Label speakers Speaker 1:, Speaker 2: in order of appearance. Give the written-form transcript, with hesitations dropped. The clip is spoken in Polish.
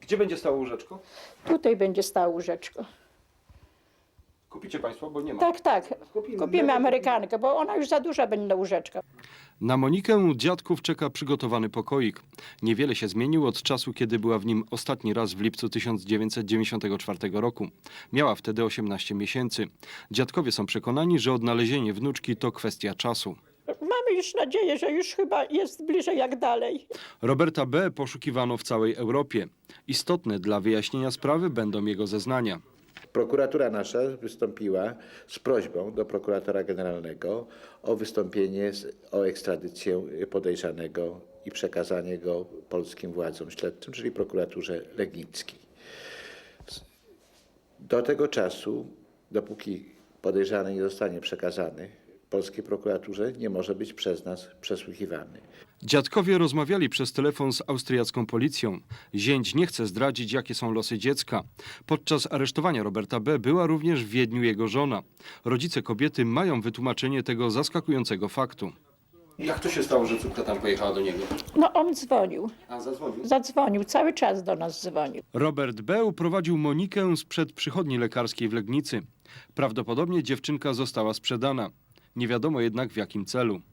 Speaker 1: Gdzie będzie stało łóżeczko?
Speaker 2: Tutaj będzie stało łóżeczko.
Speaker 1: Kupicie Państwo, bo nie ma.
Speaker 2: Tak, tak.
Speaker 1: Kupimy.
Speaker 2: Kupimy Amerykankę, bo ona już za duża będzie na łóżeczko.
Speaker 3: Na Monikę dziadków czeka przygotowany pokoik. Niewiele się zmienił od czasu, kiedy była w nim ostatni raz w lipcu 1994 roku. Miała wtedy 18 miesięcy. Dziadkowie są przekonani, że odnalezienie wnuczki to kwestia czasu.
Speaker 2: Mamy już nadzieję, że już chyba jest bliżej jak dalej.
Speaker 3: Roberta B. poszukiwano w całej Europie. Istotne dla wyjaśnienia sprawy będą jego zeznania.
Speaker 4: Prokuratura nasza wystąpiła z prośbą do prokuratora generalnego o wystąpienie o ekstradycję podejrzanego i przekazanie go polskim władzom śledczym, czyli prokuraturze legnickiej. Do tego czasu, dopóki podejrzany nie zostanie przekazany polskiej prokuraturze, nie może być przez nas przesłuchiwany.
Speaker 3: Dziadkowie rozmawiali przez telefon z austriacką policją. Zięć nie chce zdradzić, jakie są losy dziecka. Podczas aresztowania Roberta B. była również w Wiedniu jego żona. Rodzice kobiety mają wytłumaczenie tego zaskakującego faktu.
Speaker 1: Jak to się stało, że córka tam pojechała do niego?
Speaker 2: No on dzwonił,
Speaker 1: A zadzwonił?
Speaker 2: zadzwonił, cały czas do nas dzwonił.
Speaker 3: Robert B. uprowadził Monikę sprzed przychodni lekarskiej w Legnicy. Prawdopodobnie dziewczynka została sprzedana. Nie wiadomo jednak w jakim celu.